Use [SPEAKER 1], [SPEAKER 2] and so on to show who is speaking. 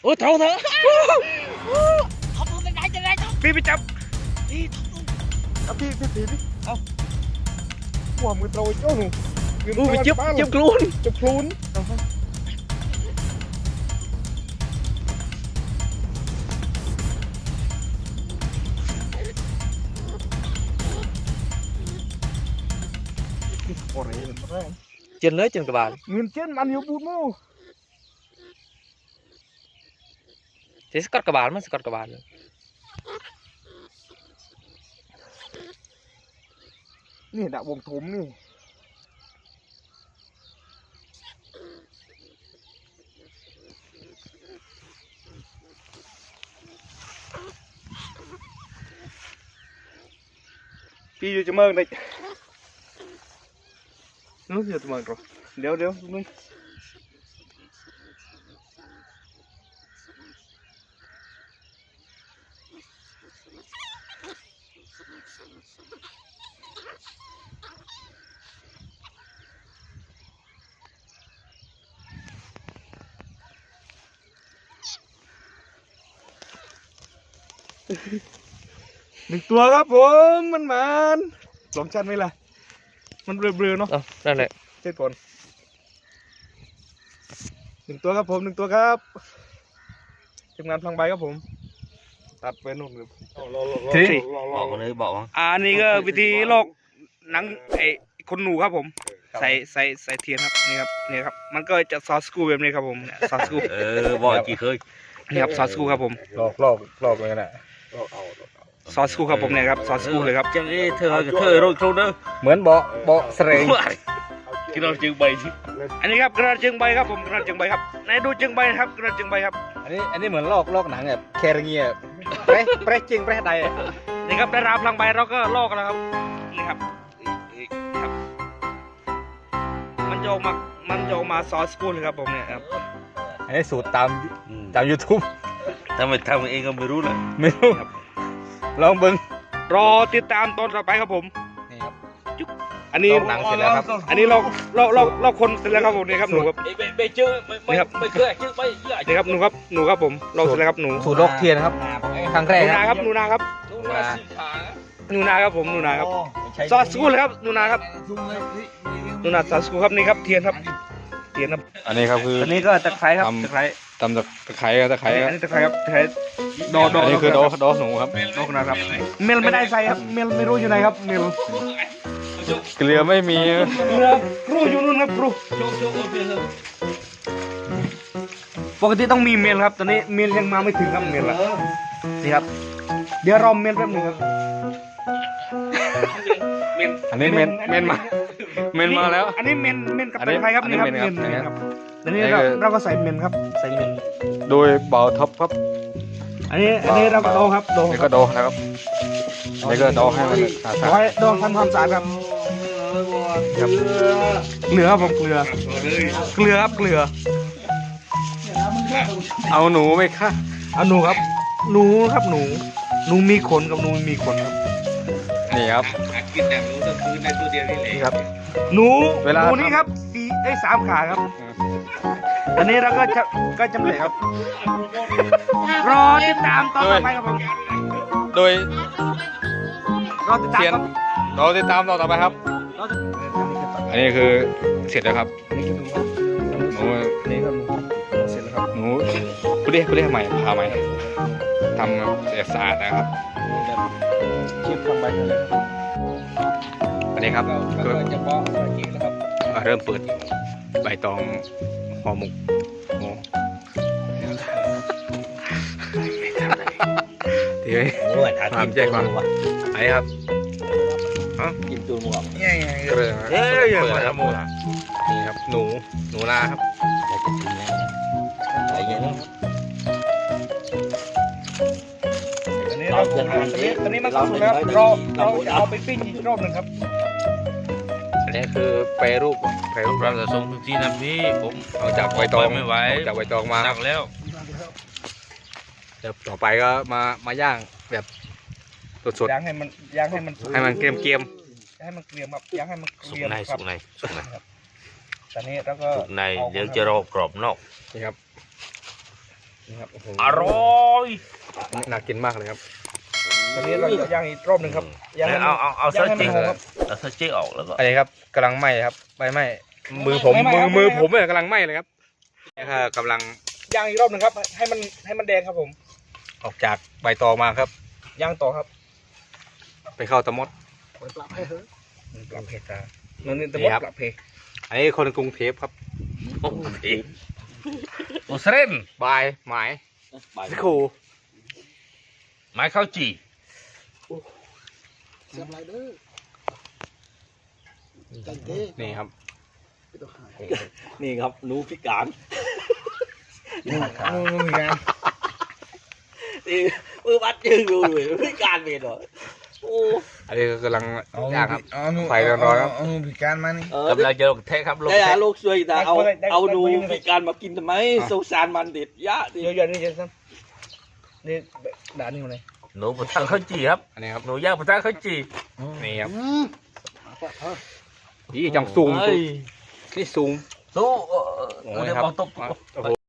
[SPEAKER 1] โอ้ท้องเถอะ
[SPEAKER 2] เอามือไปไหนจะไหนท้อง
[SPEAKER 1] พี่ไปจับ
[SPEAKER 2] นี่ท้อง
[SPEAKER 3] เอาพี่เอาหัวมือโตโจ้หนู
[SPEAKER 1] อู้ไปจับกลูน
[SPEAKER 3] จับคลูนโอ้ยแรง
[SPEAKER 1] เจนเลยเจนกระบาล
[SPEAKER 3] เงินเจ็ดมันอยู่บูดมู
[SPEAKER 1] เทสกัดกระบาลมันสกัดกระบาล
[SPEAKER 3] นี่ดะวงถมนี่พี่อยู่จะเมิงเลยนู้นอยู่จะเมิงหรอเดี๋ยวนู้นหนึ่งตัวครับผมมันลองชันไหมล่ะมันเบลอๆเนาะ
[SPEAKER 1] นั่นแหละ
[SPEAKER 3] เช็ดก่อนหนึ่งตัวครับผมหนึ่งตัวครับทีมงานพลังใบครับผมตัดไปนู่นเลย
[SPEAKER 2] บอกกันเลยบอกว่า
[SPEAKER 3] อันนี้ก็วิธีลอกหนังไอ้คนหนูครับผมใส่เทียนครับนี่ครับมันก็จะซอสกูแบบนี้ครับผมซอสกู
[SPEAKER 2] บอกกี่เคย
[SPEAKER 3] นี่ครับซอสกูครับผม
[SPEAKER 4] ลอกเลยนะ
[SPEAKER 3] ซอสกูครับผมเนี่ยครับซอสกูเลยครับ
[SPEAKER 2] จังเธอโรยโครนเด้อ
[SPEAKER 4] เหมือนเบาะเสรง
[SPEAKER 2] กินเราจึงใบที่
[SPEAKER 3] อันนี้ครับกระจึงใบครับผมกระจึงใบครับไหนดูจึงใบครับกระจึงใบครับ
[SPEAKER 4] อันนี้เหมือนลอกหนังแบบแคร์เงียเปรจริงเปรใด
[SPEAKER 3] นี่ครับได้รับพลังใบเราก็ลอกแล้วครับนี่ครับครับมันจะออกมาซอสกูเลยครับผมเนี่ยครับ
[SPEAKER 4] อันนี้สูตรตาม YouTube
[SPEAKER 2] ทำไมทำเองก็ไม่รู้เลย
[SPEAKER 4] ไม่รู้ลองเบิ้ง
[SPEAKER 3] รอติดตามตอนต่อไปครับผม
[SPEAKER 4] นี่ครับ
[SPEAKER 3] อันนี้
[SPEAKER 4] ลอกหนังเสร็จแล้วครับ
[SPEAKER 3] อันนี้ลอกคนเสร็จแล้วครับผมนี่ครับหนูครับ
[SPEAKER 2] ไม่เจอไม่เคยเจอไม่เยอะ
[SPEAKER 3] นี่ครับหนูครับผมลอกเสร็จแล้วครับหนู
[SPEAKER 4] สูตรลอกเทียนครับครั้งแรก
[SPEAKER 3] หนูนาครับหนูนาครับ
[SPEAKER 2] ดูนาสีขา
[SPEAKER 3] หนูนาครับผมหนูนาครับซอสกูเลยครับหนูนาครับหนูนาซอสกูครับนี่ครับเทียนครับเทียนครับ
[SPEAKER 4] อันนี้ครับคือ
[SPEAKER 3] อันนี้ก็ตะไคร้ครับตะไคร้
[SPEAKER 4] ตำตะไคร้ตะไคร้
[SPEAKER 3] อันนี้ตะไคร้ครับตะไคร้ดอ
[SPEAKER 4] อันนี้คือดอหนูครับ
[SPEAKER 3] ดอกนะครับเมลไม่ได้ใส่ครับเมลไม่รู้อยู่ไหนครับเมล
[SPEAKER 4] เกลือไม่มี
[SPEAKER 3] เรือครูอยู่นู่นครับครู
[SPEAKER 2] โชคเปลี่ยนเลย
[SPEAKER 3] ปกติต้องมีเมลครับตอนนี้เมลยังมาไม่ถึงครับเมลละนี่ครับเดี๋ยวรอเมลแป๊บหนึงครับ
[SPEAKER 4] อันนี้เมนมาแล้ว
[SPEAKER 3] อันนี้เมนกับ
[SPEAKER 4] อัน
[SPEAKER 3] ตะ
[SPEAKER 4] นี้
[SPEAKER 3] ไคร้ครับ
[SPEAKER 4] อันนี้
[SPEAKER 3] นี่ครับ
[SPEAKER 4] เมนครับ
[SPEAKER 3] อันนี้
[SPEAKER 4] อันนี้
[SPEAKER 3] เราก็ใส่เมนครับใส่เมน
[SPEAKER 4] โดยเบาท็อปครับ
[SPEAKER 3] อันนี้เราก็โดครับโด
[SPEAKER 4] นี่ก็โดนะครับนี่ก็โดให้มันสะอาด
[SPEAKER 3] ไว้โดทำความสะอาดครับครับเกลือครับผมเกลือครับเกลือ
[SPEAKER 4] เอาหนูไหมคะ
[SPEAKER 3] เอาหนูครับหนูครับหนูมีขนกับหนูไม่มีขนครับ
[SPEAKER 4] นี่ครับ
[SPEAKER 2] กินแต่รู้ก็คือในตัวเดียวนี่แหละ
[SPEAKER 3] นี่ครับหนู
[SPEAKER 4] เวลา
[SPEAKER 3] หนูนี่ครับสามขาครับ อันนี้เราก็จำเลยครับ รอติดตามตอนต่อไปครับผม
[SPEAKER 4] โดย
[SPEAKER 3] รอติดตาม
[SPEAKER 4] เทียน
[SPEAKER 3] ครับ
[SPEAKER 4] เราติดตามต่อไปครับ
[SPEAKER 3] รอติด
[SPEAKER 4] อันนี้คือเสร็จแล้วครับ
[SPEAKER 3] อันนี้คือหนู
[SPEAKER 4] หนู
[SPEAKER 3] นี่ครับหนูเสร็จแล้วครับ
[SPEAKER 4] หนูกูเรียกใหม่พาใหม่ทำสะอาดนะครับ
[SPEAKER 3] ชิมฟังใบเลยครับ
[SPEAKER 4] อันนี้ครับ
[SPEAKER 3] ก็จะบอกจริงแล้วครับ
[SPEAKER 4] เริ่มเปิดใบตองห่อหมกโอ้ดีไหม
[SPEAKER 2] โอ้ยถาม
[SPEAKER 4] แจ้งความไอ้ครับ
[SPEAKER 2] กินตัวหมวก
[SPEAKER 3] เนี่ย
[SPEAKER 4] ก็เลย
[SPEAKER 3] เอ้ยอย่า
[SPEAKER 4] เปิด
[SPEAKER 3] มา
[SPEAKER 4] ครับ
[SPEAKER 3] ทำมู
[SPEAKER 4] นี่ครับหนูนาครับ
[SPEAKER 2] อยากจะกินนะอะไรอย่างนี้
[SPEAKER 3] อันนี้เราตอนนี้มันก็สุกแล้วเราจะเอาไปปิ้งอีกรอบหนึ่งครับ
[SPEAKER 4] อันนี้คือแปรรูป
[SPEAKER 2] เราจะส่งทุกที่นะพี่ผม
[SPEAKER 4] เอาจากใบตอง
[SPEAKER 2] ไม่ไหว
[SPEAKER 4] เอาจากใบตองมา
[SPEAKER 2] หนักแล้ว
[SPEAKER 4] เดี๋ยวต่อไปก็มาย่างแบบสด
[SPEAKER 3] ย่างให้มันสุก
[SPEAKER 4] ๆให้มันเกรียม
[SPEAKER 3] ให้มันเกรียมครับย่างให้มันเก
[SPEAKER 2] สุ
[SPEAKER 3] รี
[SPEAKER 2] ก
[SPEAKER 3] ยม
[SPEAKER 2] ใน
[SPEAKER 3] ครั
[SPEAKER 2] สุ
[SPEAKER 3] บ
[SPEAKER 2] กในสุกใน
[SPEAKER 3] ตอนนี้เราก็
[SPEAKER 2] สุกในเดี๋ยวจะรอกรอบนอก
[SPEAKER 4] ๆนี่ครับ
[SPEAKER 3] นี่ครับโอ้โห
[SPEAKER 2] อร่อย
[SPEAKER 4] น่ากินมากเลยครับ
[SPEAKER 3] ตอนนี้เราจะย่างอีกรอบหนึ่งครับย่างให้มัน
[SPEAKER 2] เอาเส้น
[SPEAKER 3] ย่างให้
[SPEAKER 2] จริง
[SPEAKER 3] มันหอมครับ
[SPEAKER 2] เอาเส้นจริงออกแล้วก็
[SPEAKER 4] อันนี้ครับกำลังไหม้ครับใบไหม้มือผม
[SPEAKER 3] ไม่ไหม้ครับ
[SPEAKER 4] มือ
[SPEAKER 3] ไม่ไหม้
[SPEAKER 4] ผมเนี่ยกำลังไหม้เลยครับนี่ค่ะกำลัง
[SPEAKER 3] ย่างอีกรอบหนึ่งครับให้มันแดงครับผม
[SPEAKER 4] ออกจากใบตองมาครับ
[SPEAKER 3] ย่างต่อครับ
[SPEAKER 4] ไปเข้าตะมด
[SPEAKER 3] ปรับเพตามันนี่ตะม
[SPEAKER 4] นี่
[SPEAKER 3] ด
[SPEAKER 4] ครับ
[SPEAKER 3] ปรับเพ
[SPEAKER 4] อันนี้คนกรุงเทพครับ
[SPEAKER 2] โอ้โหโอ้เสรน
[SPEAKER 4] บายหมายสกู
[SPEAKER 2] ไม้ข้าวจี่
[SPEAKER 4] นี่ครับ
[SPEAKER 2] นี่ครับหนูพิการ
[SPEAKER 3] นู่นมีการ
[SPEAKER 2] นี่มือบัดยืนดูเลยพิการเป็นเหรอโอ้
[SPEAKER 4] อันนี้ก็กำลังย่างครับ
[SPEAKER 5] นู่น
[SPEAKER 4] ไฟร้อนๆครับ
[SPEAKER 5] เอานู่นพิการมานี่
[SPEAKER 2] กำลังจะลงเทครับลง
[SPEAKER 6] ได้
[SPEAKER 2] เท
[SPEAKER 6] หาลูกช่วยแต่เอาหนูพิการมากินทำไมสงสารมันเด็ดยะดิ
[SPEAKER 3] เยอะๆนี่เจสันนี่ด่านนี่มาเลย
[SPEAKER 2] หนูประทังข้าวจี่ครับ
[SPEAKER 4] อันนี้ครับ
[SPEAKER 2] หนูย่างประทังข้าวจี่
[SPEAKER 4] นี่ครับนี่จังซูม
[SPEAKER 2] เฮ้ย
[SPEAKER 4] นี่ซูม
[SPEAKER 2] ตู้
[SPEAKER 4] โอ้
[SPEAKER 2] เรา
[SPEAKER 4] ย
[SPEAKER 2] จะ
[SPEAKER 4] ครับ
[SPEAKER 2] มองตบ
[SPEAKER 4] โอ้โห